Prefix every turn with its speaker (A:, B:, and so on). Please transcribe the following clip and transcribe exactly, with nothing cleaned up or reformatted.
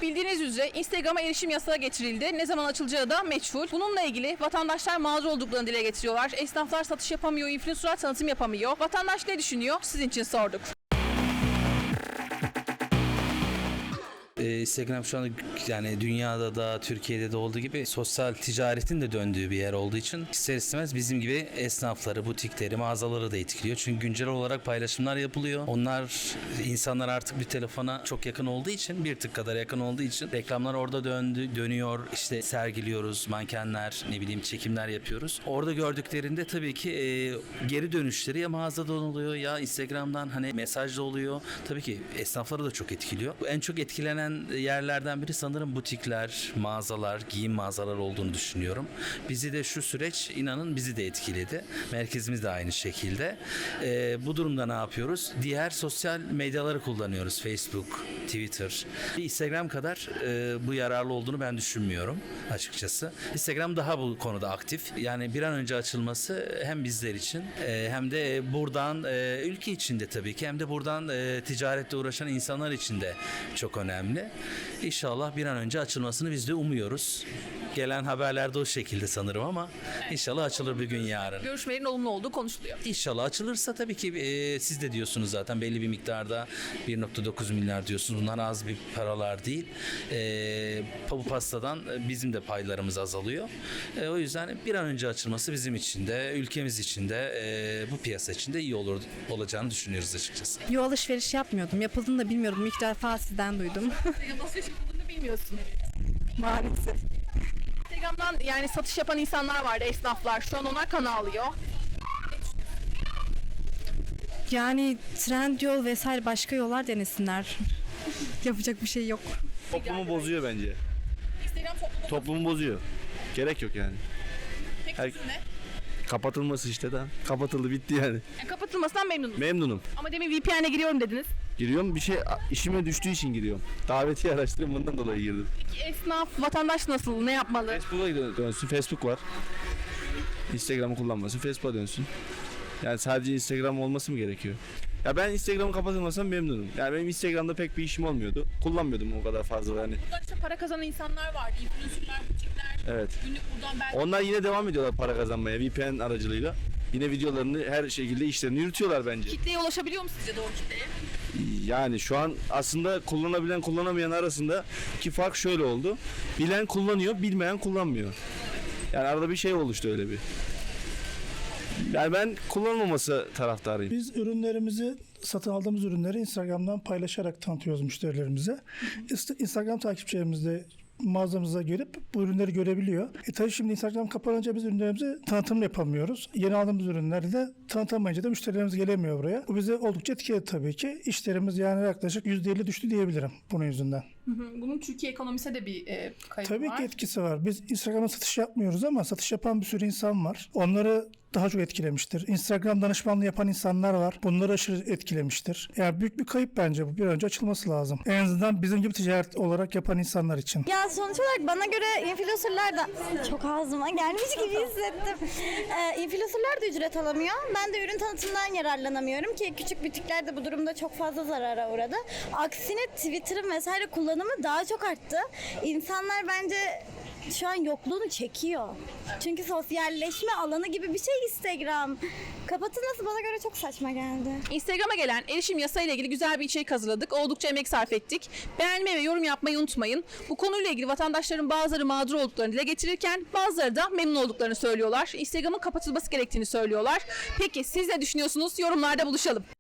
A: Bildiğiniz üzere Instagram'a erişim yasağı getirildi. Ne zaman açılacağı da meçhul. Bununla ilgili vatandaşlar mağdur olduklarını dile getiriyorlar. Esnaflar satış yapamıyor, influencerlar tanıtım yapamıyor. Vatandaş ne düşünüyor? Sizin için sorduk.
B: Ee, Instagram şu anda yani dünyada da Türkiye'de de olduğu gibi sosyal ticaretin de döndüğü bir yer olduğu için ister istemez bizim gibi esnafları, butikleri, mağazaları da etkiliyor. Çünkü güncel olarak paylaşımlar yapılıyor. Onlar insanlar artık bir telefona çok yakın olduğu için, bir tık kadar yakın olduğu için reklamlar orada döndü, dönüyor. İşte sergiliyoruz, mankenler, ne bileyim çekimler yapıyoruz. Orada gördüklerinde tabii ki e, geri dönüşleri ya mağazadan oluyor ya Instagram'dan hani mesajla oluyor. Tabii ki esnafları da çok etkiliyor. En çok etkilenen yerlerden biri sanırım butikler, mağazalar, giyim mağazaları olduğunu düşünüyorum. Bizi de şu süreç inanın bizi de etkiledi. Merkezimiz de aynı şekilde. Ee, bu durumda ne yapıyoruz? Diğer sosyal medyaları kullanıyoruz. Facebook, Twitter. Instagram kadar e, bu yararlı olduğunu ben düşünmüyorum açıkçası. Instagram daha bu konuda aktif. Yani bir an önce açılması hem bizler için e, hem de buradan e, ülke içinde tabii ki hem de buradan e, ticaretle uğraşan insanlar için de çok önemli. İnşallah bir an önce açılmasını biz de umuyoruz. Gelen haberlerde o şekilde sanırım ama inşallah açılır bir gün yarın.
A: Görüşmelerin olumlu olduğu konuşuluyor.
B: İnşallah açılırsa tabii ki e, siz de diyorsunuz zaten belli bir miktarda bir nokta dokuz milyar diyorsunuz. Bunlar az bir paralar değil. E, bu pastadan bizim de paylarımız azalıyor. E, o yüzden bir an önce açılması bizim için de ülkemiz için de e, bu piyasa için de iyi olur olacağını düşünüyoruz açıkçası.
C: Yo, alışveriş yapmıyordum. Yapıldığını da bilmiyordum. İlk defa sizden duydum.
A: Alışveriş yapıldığını bilmiyorsun.
C: Maalesef.
A: Instagram'dan yani satış yapan insanlar vardı, esnaflar. Şu an onlar kan ağlıyor.
C: Yani Trendyol vesaire başka yollar denesinler. Yapacak bir şey yok.
D: Toplumu bozuyor bence.
A: Instagram topluluğu
D: Toplumu bozuyor. Gerek yok yani.
A: pek
D: Her-
A: ne?
D: Kapatılması işte de. Kapatıldı bitti yani.
A: Yani kapatılmasından memnunum.
D: Memnunum.
A: Ama demin V P N'e giriyorum dediniz.
D: Giriyorum bir şey işime düştüğü için giriyorum. Davetiye araştırıyorum bundan dolayı girdim.
A: Peki esnaf, vatandaş nasıl, ne yapmalı?
D: Facebook'a dön- dönsün. Facebook var. Instagram'ı kullanmasın. Facebook'a dönsün. Yani sadece Instagram olması mı gerekiyor? Ya ben Instagram'ı kapatılmasam memnunum. Yani benim Instagram'da pek bir işim olmuyordu. Kullanmıyordum o kadar fazla yani.
A: Buradan işte para kazanan insanlar vardı. Influencerlar, butikler.
D: Evet.
A: Günlük buradan belki
D: Onlar yine devam ediyorlar para kazanmaya V P N aracılığıyla. Yine videolarını her şekilde işlerini yürütüyorlar bence.
A: kitleye ulaşabiliyor mu sizce doğru kitleye?
D: Yani şu an aslında kullanabilen kullanamayan arasında ki fark şöyle oldu. Bilen kullanıyor, bilmeyen kullanmıyor. Yani arada bir şey oluştu öyle bir. Yani ben kullanılmaması taraftarıyım.
E: Biz ürünlerimizi, satın aldığımız ürünleri Instagram'dan paylaşarak tanıtıyoruz müşterilerimize. İst- Instagram takipçilerimiz de mağazamıza gelip bu ürünleri görebiliyor. E tabii şimdi Instagram kapanınca biz ürünlerimizi tanıtım yapamıyoruz. Yeni aldığımız ürünleri de tanıtamayınca da müşterilerimiz gelemiyor buraya. Bu bize oldukça etkiledi tabii ki. İşlerimiz yani yaklaşık yüzde elli düştü diyebilirim bunun yüzünden.
A: Bunun Türkiye ekonomisine de bir e, kaybı
E: Tabii
A: var.
E: ki etkisi var. Biz Instagram'a satış yapmıyoruz ama satış yapan bir sürü insan var. Onları daha çok etkilemiştir. Instagram danışmanlığı yapan insanlar var. Bunları aşırı etkilemiştir. Yani büyük bir kayıp bence bu. Bir an önce açılması lazım. En azından bizim gibi ticaret olarak yapan insanlar için.
F: Ya sonuç olarak bana göre influencerlar da çok ağzıma gelmiş gibi hissettim. Ee, influencerlar da ücret alamıyor. Ben de ürün tanıtımından yararlanamıyorum ki küçük butikler de bu durumda çok fazla zarara uğradı. Aksine Twitter'ın vesaire kullanımı daha çok arttı. İnsanlar bence şu an yokluğunu çekiyor. Çünkü sosyalleşme alanı gibi bir şey Instagram. Kapatılması bana göre çok saçma geldi.
A: Instagram'a gelen erişim yasayla ilgili güzel bir içerik hazırladık. Oldukça emek sarf ettik. Beğenmeyi ve yorum yapmayı unutmayın. Bu konuyla ilgili vatandaşların bazıları mağdur olduklarını dile getirirken bazıları da memnun olduklarını söylüyorlar. Instagram'ın kapatılması gerektiğini söylüyorlar. Peki siz ne düşünüyorsunuz? Yorumlarda buluşalım.